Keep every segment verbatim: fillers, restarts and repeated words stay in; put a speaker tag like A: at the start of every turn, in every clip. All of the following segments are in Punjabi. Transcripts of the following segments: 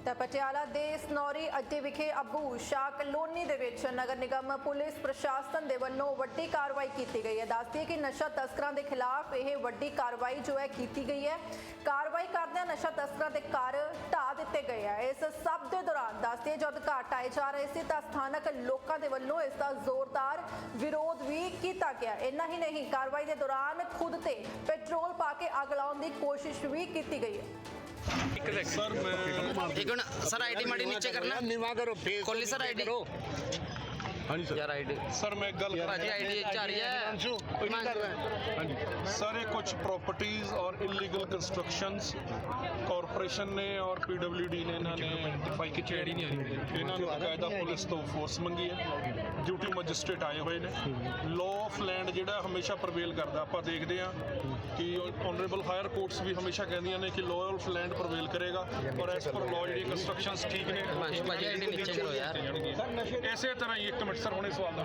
A: ਤਾਂ ਪਟਿਆਲਾ ਦੇ ਸਨੌਰੀ ਅੱਡੇ ਵਿਖੇ ਅਬੂ ਸ਼ਾਹ ਕਲੋਨੀ ਦੇ ਵਿੱਚ ਨਗਰ ਨਿਗਮ ਪੁਲਿਸ ਪ੍ਰਸ਼ਾਸਨ ਦੇ ਵੱਲੋਂ ਵੱਡੀ ਕਾਰਵਾਈ ਕੀਤੀ ਗਈ ਹੈ। ਦੱਸਦੀ ਹੈ ਕਿ ਨਸ਼ਾ ਤਸਕਰਾਂ ਦੇ ਖਿਲਾਫ ਇਹ ਵੱਡੀ ਕਾਰਵਾਈ ਜੋ ਹੈ ਕੀਤੀ ਗਈ ਹੈ। ਕਾਰਵਾਈ ਕਰਦਿਆਂ ਨਸ਼ਾ ਤਸਕਰਾਂ ਦੇ ਘਰ ਢਾਹ ਦਿੱਤੇ ਗਏ ਹੈ। ਇਸ ਸਭ ਦੇ ਦੌਰਾਨ ਦੱਸਦੀ ਹੈ ਜਦ ਘਰ ਢਾਏ ਜਾ ਰਹੇ ਸੀ ਤਾਂ ਸਥਾਨਕ ਲੋਕਾਂ ਦੇ ਵੱਲੋਂ ਇਸ ਦਾ ਜ਼ੋਰਦਾਰ ਵਿਰੋਧ ਵੀ ਕੀਤਾ ਗਿਆ। ਇੰਨਾ ਹੀ ਨਹੀਂ, ਕਾਰਵਾਈ ਦੇ ਦੌਰਾਨ ਖੁਦ ਤੇ ਪੈਟਰੋਲ ਪਾ ਕੇ ਅੱਗ ਲਾਉਣ ਦੀ ਕੋਸ਼ਿਸ਼ ਵੀ ਕੀਤੀ गई है।
B: सर मैं
C: एक मिनट सर आईडी माड़ी नीचे करना
D: नीवा करो फेस
C: खोली सर आईडी
B: हाँ जी सर
C: यार आईडी
B: सर मैं गल
C: भाजी आईडी आ रही है
B: हाँ जी सर ये कुछ प्रॉपर्टीज और इलीगल कंस्ट्रक्शंस कॉरपोरेशन ने और पीडब्ल्यूडी ने इन्होंने आइडेंटिफाई की चेड़ी नहीं आ रही इन्होंने बकायदा पुलिस तो फोर्स मंगी है ड्यूटी मजिस्ट्रेट आए हुए ने लॉ ऑफ लैंड जिहड़ा हमेशा प्रवेल करदा आपां देखदे हां कि ऑनरेबल हायर कोर्ट्स भी हमेशा कहदियां ने कि लॉ ऑफ लैंड प्रवेल करेगा और एज पर लॉ जिहड़ी कंस्ट्रक्शंस ठीक ने
C: भाजी आईडी नीचे करो यार
B: ਇਸੇ ਤਰ੍ਹਾਂ ਹੀ ਇੱਕ ਮਿੰਟ ਸਰ ਹੁਣੇ ਸਵਾਲ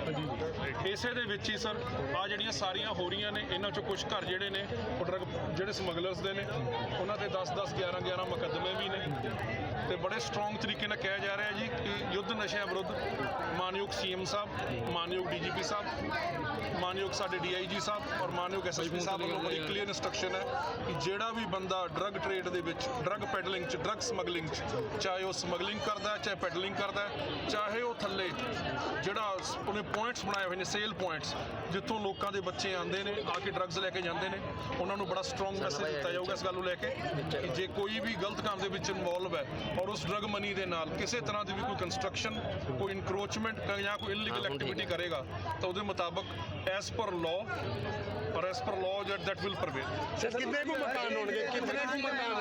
B: ਦਾ ਇਸੇ ਦੇ ਵਿੱਚ ਹੀ ਸਰ ਆ ਜਿਹੜੀਆਂ ਸਾਰੀਆਂ ਹੋ ਰਹੀਆਂ ਨੇ ਇਹਨਾਂ ਚੋਂ ਕੁਝ ਘਰ ਜਿਹੜੇ ਨੇ ਉਹ ਡਰੱਗ ਜਿਹੜੇ ਸਮਗਲਰਸ ਦੇ ਨੇ ਉਹਨਾਂ ਤੇ ਦਸ ਦਸ ਗਿਆਰਾਂ ਗਿਆਰਾਂ ਮੁਕੱਦਮੇ ਵੀ ਨੇ ਤੇ ਬੜੇ ਸਟਰੋਂਗ ਤਰੀਕੇ ਨਾਲ ਕਿਹਾ ਜਾ ਰਿਹਾ ਜੀ ਕਿ ਯੁੱਧ ਨਸ਼ਿਆਂ ਵਿਰੁੱਧ ਮਾਨਯੋਗ ਸੀਐਮ ਸਾਹਿਬ ਮਾਨਯੋਗ ਡੀਜੀਪੀ ਸਾਹਿਬ ਮਾਨਯੋਗ ਸਾਡੇ ਡੀਆਈਜੀ ਸਾਹਿਬ ਔਰ ਮਾਨਯੋਗ ਐਸਐਸਪੀ ਸਾਹਿਬ ਵੱਲੋਂ ਬੜੀ ਕਲੀਅਰ ਇਨਸਟਰਕਸ਼ਨ ਹੈ ਕਿ ਜਿਹੜਾ ਵੀ ਬੰਦਾ ਡਰੱਗ ਟ੍ਰੇਡ ਦੇ ਵਿੱਚ ਡਰੱਗ ਪੈਡਲਿੰਗ 'ਚ ਡਰੱਗ ਸਮਗਲਿੰਗ 'ਚ ਚਾਹੇ ਉਹ ਸਮਗਲਿੰਗ ਕਰਦਾ ਚਾਹੇ ਪੈਡਲਿੰਗ ਕਰਦਾ ਚਾਹੇ ਉਹ ਥੱਲੇ ਜਿਹੜਾ ਉਹਨੇ ਪੁਆਇੰਟਸ ਬਣਾਏ ਹੋਏ ਨੇ ਸੇਲ ਪੁਆਇੰਟਸ ਜਿੱਥੋਂ ਲੋਕਾਂ ਦੇ ਬੱਚੇ ਆਉਂਦੇ ਨੇ ਆ ਕੇ ਡਰੱਗਸ ਲੈ ਕੇ ਜਾਂਦੇ ਨੇ ਉਹਨਾਂ ਨੂੰ ਬੜਾ ਸਟਰੋਂਗ ਮੈਸੇਜ ਦਿੱਤਾ ਜਾਊਗਾ ਇਸ ਗੱਲ ਨੂੰ ਲੈ ਕੇ ਕਿ ਜੇ ਕੋਈ ਵੀ ਗਲਤ ਕੰਮ ਦੇ ਵਿੱਚ ਇਨਵੋਲਵ ਹੈ ਔਰ ਉਸ ਡਰੱਗ ਮਨੀ ਦੇ ਨਾਲ ਕਿਸੇ ਤਰ੍ਹਾਂ ਦੀ ਵੀ ਕੋਈ ਕੰਸਟਰਕਸ਼ਨ ਕੋਈ ਇਨਕਰੋਚਮੈਂਟ ਜਾਂ ਕੋਈ ਇਲੀਗਲ ਐਕਟੀਵਿਟੀ ਕਰੇਗਾ ਤਾਂ ਉਹਦੇ ਮੁਤਾਬਕ ਐਸ ਪਰ ਲਾਅ और as per law that will prevail
D: कितने को मकान होंगे कितने को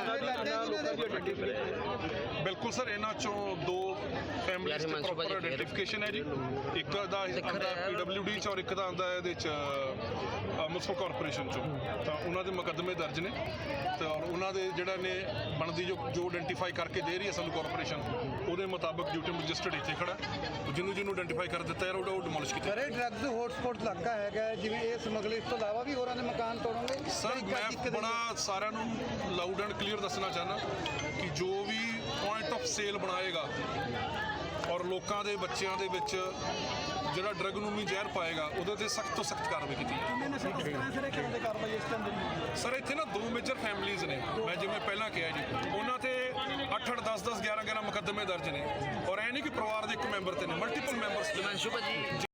D: मकान
B: बिल्कुल सर इन्हां चों दो फैमिलीज दी प्रॉपर आइडेंटिफिकेशन है जी एक दा आंदा पीडब्ल्यूडी च और एक दा आंदा इहदे च म्युनिसिपल कॉरपोरेशन चों तां उन्हां दे मुकदमे दर्ज ने ते और उन्हां दे जिहड़ा ने बनदी जो जो आइडेंटिफाई करके दे रही है सानू कॉरपोरेशन ਉਹਦੇ ਮੁਤਾਬਕ ਡਿਊਟੀ ਮੈਜਿਸਟਰੇਟ ਇੱਥੇ ਖੜਾ ਜਿਹਨੂੰ ਜਿਹਨੂੰ ਆਇਡੈਂਟੀਫਾਈ ਕਰ ਦਿੱਤਾ ਯਾਰ ਉਹ ਡਿਮੋਲਿਸ਼ ਕੀਤਾ
E: ਸਰ ਇਹ ਡਰੱਗਸ ਹੌਟਸਪੌਟ ਇਲਾਕਾ ਹੈਗਾ ਜਿਵੇਂ ਇਹ ਸਮਗਲਿੰਗ ਤੋਂ ਇਲਾਵਾ ਵੀ ਹੋਰਾਂ ਦੇ ਮਕਾਨ ਤੋੜੋਗੇ
B: ਸਰ ਮੈਂ ਬੜਾ ਸਾਰਿਆਂ ਨੂੰ ਲਾਊਡ ਐਂਡ ਕਲੀਅਰ ਦੱਸਣਾ ਚਾਹੁੰਦਾ ਕਿ ਜੋ ਵੀ ਪੁਆਇੰਟ ਆਫ ਸੇਲ ਬਣਾਏਗਾ ਔਰ ਲੋਕਾਂ ਦੇ ਬੱਚਿਆਂ ਦੇ ਵਿੱਚ ਜਿਹੜਾ ਡਰੱਗ ਨੂੰ ਵੀ ਜ਼ਹਿਰ ਪਾਏਗਾ ਉਹਦੇ ਤੇ ਸਖਤ ਤੋਂ ਸਖਤ ਕਾਰਵਾਈ ਕੀਤੀ ਜਾਵੇ। ਸਰ ਇੱਥੇ ਨਾ ਦੋ ਮੇਜਰ ਫੈਮਿਲੀਜ਼ ਨੇ ਮੈਂ ਜਿਵੇਂ ਪਹਿਲਾਂ ਕਿਹਾ ਜੀ ਉਹਨਾਂ ਤੇ ਅੱਠ ਅੱਠ ਦਸ ਦਸ ਗਿਆਰਾਂ ਗਿਆਰਾਂ ਮੁਕੱਦਮੇ ਦਰਜ ਨੇ ਔਰ ਇਹ ਨਹੀਂ ਕਿ ਪਰਿਵਾਰ ਦੇ ਇੱਕ ਮੈਂਬਰ ਤੇ ਨੇ ਮਲਟੀਪਲ ਮੈਂਬਰਸ
C: हिमांशु भाजी